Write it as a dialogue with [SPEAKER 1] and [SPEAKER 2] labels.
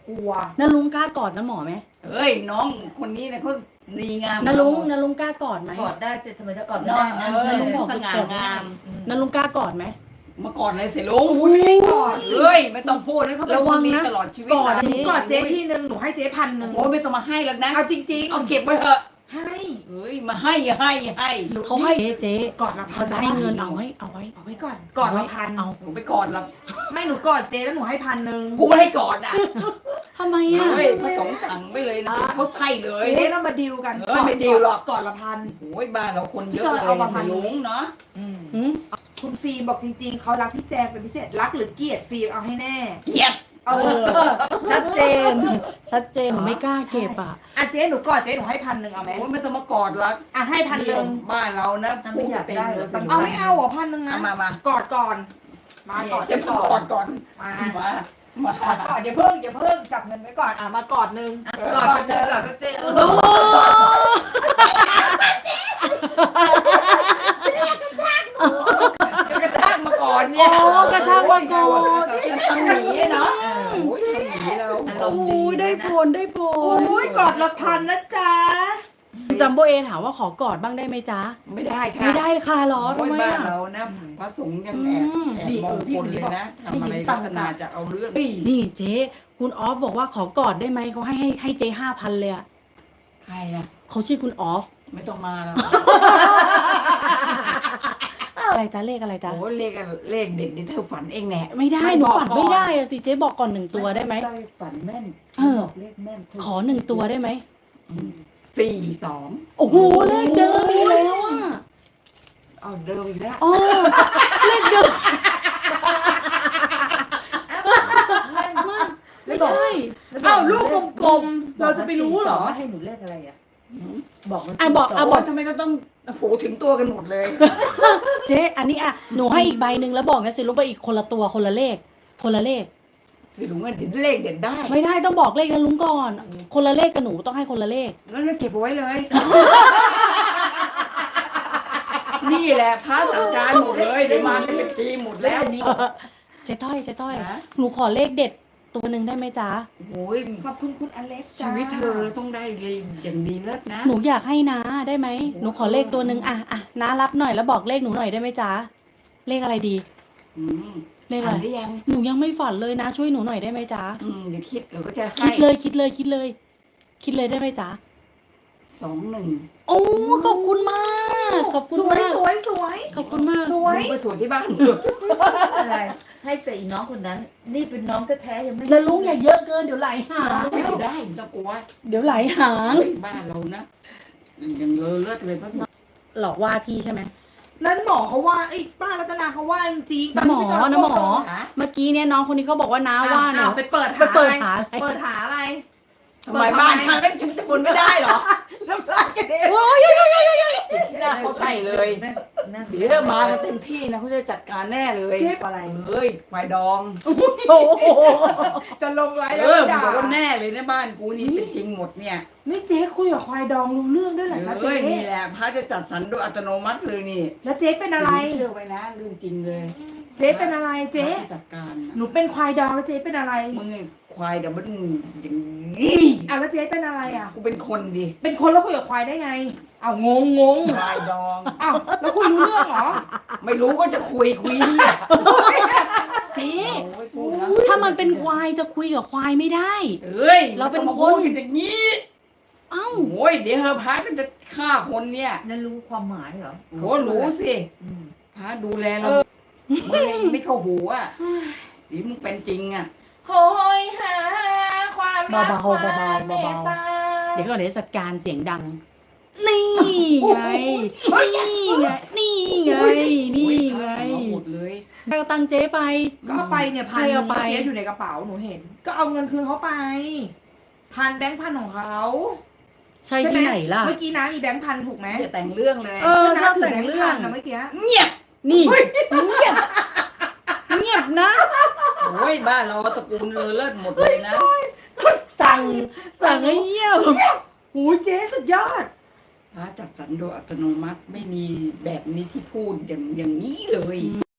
[SPEAKER 1] กลัว
[SPEAKER 2] นาลุงกล้ากอดนะหมอไหม
[SPEAKER 3] เอ้ยน้องคนนี้เนี่ยเขาดีงาม
[SPEAKER 2] นาลุงกล้ากอดไหม
[SPEAKER 1] กอดได้สิทำไมจะกอดไม่
[SPEAKER 3] น้อ
[SPEAKER 1] ได้
[SPEAKER 3] ง
[SPEAKER 1] นะ
[SPEAKER 2] นาลุงบอก
[SPEAKER 3] สง่างาม
[SPEAKER 2] นาลุงกล้ากอดไหม
[SPEAKER 3] มากอดเลยสิลุง
[SPEAKER 1] ไม่กอด
[SPEAKER 3] เอ้ยไม่ต้องพูดให้เขาเป็น
[SPEAKER 2] ระ
[SPEAKER 3] ค
[SPEAKER 2] วั
[SPEAKER 3] น
[SPEAKER 2] ง
[SPEAKER 3] ดี
[SPEAKER 2] นะ
[SPEAKER 3] ตลอดชีวิต
[SPEAKER 2] กอด
[SPEAKER 3] นะ
[SPEAKER 2] อันนี้
[SPEAKER 1] กอดเจ๊ที่นึงหนูให้เจ๊1,000
[SPEAKER 3] โอ้ไม่ต้องมาให้แล้วนะ
[SPEAKER 1] เอาจริงๆ
[SPEAKER 3] เอาเก็บไว้เถอะ
[SPEAKER 1] ให้
[SPEAKER 3] เอ้ยมาให้
[SPEAKER 2] เขาให้เจ๊
[SPEAKER 1] กอดละพั
[SPEAKER 2] เขา
[SPEAKER 1] น
[SPEAKER 2] จะให้เงินเอาไว้
[SPEAKER 1] เอาไว้ก่อนกอดละพัน
[SPEAKER 2] เอา
[SPEAKER 3] หนูไปกอดละ
[SPEAKER 1] ไม่หนูกอดเจ๊แล้วหนูให้1,000
[SPEAKER 3] กูไม่ให้กอดอ่ะ
[SPEAKER 2] ทำไมอ่ะ
[SPEAKER 3] เฮ้ยพระสงฆ์สั่งไปเลยนะเขาใช่เลย
[SPEAKER 1] เจ๊ต้องมาดีลกัน
[SPEAKER 3] เออไม่ดีลหรอก
[SPEAKER 1] กอดละพัน
[SPEAKER 3] โอ้ยบ้านเราคนเยอะ
[SPEAKER 1] จอย
[SPEAKER 3] เลย
[SPEAKER 1] เอามาพัน
[SPEAKER 3] ลุงเนาะ
[SPEAKER 2] หืม
[SPEAKER 1] คุณฟิล์มบอกจริงๆเขารักพี่แจงเป็นพิเศษรักหรือเกลียดฟิล์มเอาให้แน่
[SPEAKER 3] เกลียด
[SPEAKER 2] ชัดเจน ชัดเจนหนูไม่กล้าเก็บอ่ะ
[SPEAKER 1] อ่ะเจ๊หนูกอดเจ๊หนูให้1,000เอาไหม
[SPEAKER 3] โอ้ยไม่ต้องมากอดละ
[SPEAKER 1] อ่ะให้1,000
[SPEAKER 3] บ้านเรานะ
[SPEAKER 1] ไม่อยากได้
[SPEAKER 3] พูเป็น
[SPEAKER 1] เอาไม่เอาเหรอ1,000นะ
[SPEAKER 3] เอามาก
[SPEAKER 1] อดก่อนมากอด
[SPEAKER 3] จะมากอดก่อน
[SPEAKER 1] มา
[SPEAKER 3] มา
[SPEAKER 1] กอดก่อนอย่าเพิ่งจับเงินไว้ก่อนอ่ะมากอดนึง
[SPEAKER 3] กอดเจอกอดเจอ
[SPEAKER 2] โอ้
[SPEAKER 3] กระชากมาก่อนเนี่ย
[SPEAKER 2] กระชากมาก่อน
[SPEAKER 3] เป็นทำหนีเนาะโอ้ยทำหนีเรา
[SPEAKER 2] โอ้ยได้ผลได้ผ
[SPEAKER 1] โอ้
[SPEAKER 2] ล
[SPEAKER 1] ยกอดละ1,000นะจ๊ะ
[SPEAKER 2] จัมโบเอถามว่าขอกอดบ้างได้ไหมจ๊ะ
[SPEAKER 3] ไม่ได้ค่ะ
[SPEAKER 2] ไม่ได้ค่ะหรอ
[SPEAKER 3] โอ้
[SPEAKER 2] ทำ
[SPEAKER 3] ย
[SPEAKER 2] ไม
[SPEAKER 3] บ้าน
[SPEAKER 2] อ่ะ
[SPEAKER 3] เรานะพระสงฆ์ยังแอบมองคนเลยนะทำอะไรลักษณะจะเอาเรื่อง
[SPEAKER 2] นี่เจ๊คุณออฟบอกว่าขอกอดได้ไหมเขาให้เจ๊5,000เลยอ่ะ
[SPEAKER 3] ใครอ่ะ
[SPEAKER 2] เขาชื่อคุณออฟ
[SPEAKER 3] ไม่ต้องมาแล้ว
[SPEAKER 2] อะไรจ๊ะเลขอะไรจ๊ะ
[SPEAKER 3] โอ้เลขเด็ดนี่เธอฝันเองแน่
[SPEAKER 2] ไม่ได้หนูฝันไม่ได้อะสิเจ๊บอกก่อน1 ตัวได้ไหม
[SPEAKER 3] ฝันแม่น
[SPEAKER 2] บอก
[SPEAKER 3] เลขแม่น
[SPEAKER 2] ขอ1 ตัวได้ไหม
[SPEAKER 3] 42
[SPEAKER 2] โอ้โหเลขเดิมอีกแล้วอ่ะ
[SPEAKER 3] เอาเดิมอีกแล้ว
[SPEAKER 2] อ๋อเลขเดิมไม่ใช่
[SPEAKER 1] เอ้าลูกกลมๆเราจะไปรู้เหรอ
[SPEAKER 4] ให้หนูเลขอะไรอ่ะ บอกมัน
[SPEAKER 2] บอก
[SPEAKER 3] บอกทำไมก็ต้องโอ้โหถึงตัวกันหมดเลย
[SPEAKER 2] เจ๊อันนี้อ่ะหนูให้อีกใบหนึ่งแล้วบอกนะสิลูกไปอีกคนละตัวคนละเลข คนละเลข
[SPEAKER 3] คือหนูเงินเลขเด็ดได้
[SPEAKER 2] ไม่ได้ต้องบอกเลขนะลุงก่อน คนละเลขกับหนูต้องให้คนละเลข
[SPEAKER 3] งั้นก็เก็บเอาไว้เลย นี่แหละพระสังจารหมดเลยได้มาเป็นทีหมดแล้วนี่
[SPEAKER 2] เจ๊ต้อย
[SPEAKER 3] นะ
[SPEAKER 2] หนูขอเลขเด็ดตัวหนึ่งได้ไหมจ๊ะ
[SPEAKER 3] โอ้ย
[SPEAKER 1] ขอบคุณคุณอเล็กซ์จ้า
[SPEAKER 3] ชีวิตเธอต้องได้เลยอย่างดีเลิศนะ
[SPEAKER 2] หนูอยากให้น้าได้ไหมหนูขอเลขตัวหนึ่งอ่ะน้ารับหน่อยแล้วบอกเลขหนูหน่อยได้ไหมจ๊ะเลขอะไรดี
[SPEAKER 3] อืม
[SPEAKER 2] เลขอะไร
[SPEAKER 3] ได้ยัง
[SPEAKER 2] หนูยังไม่ฝันเลยนะช่วยหนูหน่อยได้ไหมจ๊ะ
[SPEAKER 3] เดี๋ยวคิดเราก็จะให้
[SPEAKER 2] คิดเลยได้ไหมจ๊ะ
[SPEAKER 3] 21
[SPEAKER 2] โอ้ขอบคุณมาก ขอบคุณ
[SPEAKER 1] สวย
[SPEAKER 2] มาก
[SPEAKER 1] สวยสวย
[SPEAKER 2] ขอบคุณมาก
[SPEAKER 1] สวย
[SPEAKER 3] ไปสวนที่บ้าน
[SPEAKER 4] อะไร ให้ใส่น้องคนนั้น นี่เป็นน้องแท้ๆยังไม่
[SPEAKER 2] แล้วลุงอย่าเยอะเกินเดี๋ยวไหลหาง
[SPEAKER 3] ไม่ได้ไม่ต้องกลัว
[SPEAKER 2] เดี๋ยวไหลหาง
[SPEAKER 3] บ้านเรานะอย่างเลอเลิศเลยพระสงฆ์
[SPEAKER 2] หลอกว่าพี่ใช่ไหม
[SPEAKER 1] นั่นหมอเขาว่าไอ้ป้ารัตนาเขาว่าจริงๆ
[SPEAKER 2] น้าหมอ
[SPEAKER 3] ฮะ
[SPEAKER 2] เมื่อกี้เนี่ยน้องคนนี้เขาบอกว่าน้าว่าหนู
[SPEAKER 1] ไปเปิด
[SPEAKER 2] ไปเปิดหาอะไร
[SPEAKER 1] เปิดหาอะไร
[SPEAKER 3] ทำไมบ้านฉันเล่นฉันจะบนไม่ได้เหรอ
[SPEAKER 1] น้ำลายกระเด็น
[SPEAKER 2] โอ้ย
[SPEAKER 3] หน้าเขาใส่เลย
[SPEAKER 4] นั่น
[SPEAKER 3] เดี๋ยวมากันเต็มที่นะเขาจะจัดการแน่เลย
[SPEAKER 1] เจ็บอะไร
[SPEAKER 3] เอ้ยควายดอง
[SPEAKER 2] โอ้โห
[SPEAKER 1] จะลงไลน์
[SPEAKER 3] เอ
[SPEAKER 1] แล้ว
[SPEAKER 3] อ
[SPEAKER 1] ด่า
[SPEAKER 3] บอกว่าแน่เลยนะบ้านกูนี่เป็นจริงหมดเนี่ย
[SPEAKER 1] นี่เจ๊คุยกับควายดองรู้เรื่องด้วยเหรอคะ
[SPEAKER 3] เอ้
[SPEAKER 1] เจ๊
[SPEAKER 3] ยนี่แหละพระจะจัดสรรโดยอัตโนมัติเลยนี่
[SPEAKER 1] แล้วเจ๊เป็นอะไร
[SPEAKER 3] เชื่อไว้นะเรื่องจริงเลย
[SPEAKER 1] เจ๊เป็นอะไรเจ๊
[SPEAKER 3] พระจะจัดการนะ
[SPEAKER 1] หนูเป็นควายดองแล้วเจ๊เป็นอะไร
[SPEAKER 3] มึงไอ้ควายเดี๋ยวมันอย่างนี้
[SPEAKER 1] อ่ะแล้วเจ๊เป็นอะไรอ่ะ
[SPEAKER 3] กูเป็นคนดิ
[SPEAKER 1] เป็นคนแล้วคุยกับควายได้ไงอ้าวงง
[SPEAKER 3] ควายดอง
[SPEAKER 1] อ้าวแล้วคุยรู้เรื่องเหรอ
[SPEAKER 3] ไม่รู้ก็จะคุยเนี่ย
[SPEAKER 2] เจ๊
[SPEAKER 3] โอ้ยพูดนะ
[SPEAKER 2] ถ้ามันเป็นควายจะคุยกับควายไม่ได้
[SPEAKER 3] เอ้ย
[SPEAKER 2] เราเป็นคน
[SPEAKER 3] มัต้องมาพูดอย่างนี้
[SPEAKER 2] เอ้า
[SPEAKER 3] โอ้ยเดี๋ยวเฮอพระก็จะฆ่าคนเนี่ย
[SPEAKER 4] นั่นรู้ความหมายเหรอ
[SPEAKER 3] โหรู้สิ
[SPEAKER 4] อืม
[SPEAKER 3] พระดูแลเรามึงยังไม่เข้าหูอ่ะหรือมึงเป็นจริงอ่ะ
[SPEAKER 1] โหยหาความรัก
[SPEAKER 2] เบาๆ
[SPEAKER 1] ความ
[SPEAKER 2] เบาๆ
[SPEAKER 1] มตต
[SPEAKER 2] เดี๋ยวก่อนเดี๋ยวจัดการเสียงดัง นี่ไง นี่ไง นี่ไง นี่ไง
[SPEAKER 3] เอาหมดเลย
[SPEAKER 2] ไปเอาตังค์เจ๊ไป
[SPEAKER 1] ก็เอาไปเนี่ย
[SPEAKER 2] ใครเอาไป
[SPEAKER 1] เจ๊อยู่ในกระเป๋าหนูเห็น ก็เอาเงินคืนเขาไปแบงค์พันของเขา
[SPEAKER 2] ใช่ที่ไหนล่ะ
[SPEAKER 1] เมื่อกี้น้ามีแบงค์พันถูกไหม
[SPEAKER 3] อย่าแต่งเรื่องเลย
[SPEAKER 2] เออ
[SPEAKER 1] น้า
[SPEAKER 2] ชอบ
[SPEAKER 1] ถือ
[SPEAKER 2] แต่
[SPEAKER 1] แบ
[SPEAKER 2] ง
[SPEAKER 1] งค์
[SPEAKER 2] เรื่อ
[SPEAKER 1] พั
[SPEAKER 2] ง
[SPEAKER 1] นนะเมื่อกี้
[SPEAKER 3] เงียบ
[SPEAKER 2] นี่เงียบเงียบนะ
[SPEAKER 3] โอ้ยบ้านเราตระกูลเลอเลิศหมดเลยนะ
[SPEAKER 2] สั่งให้เงียบ
[SPEAKER 1] หูยเจ๊สุดยอด
[SPEAKER 3] พระจัดสรรโดยอัตโนมัติไม่มีแบบนี้ที่พูดอย่างนี้เลย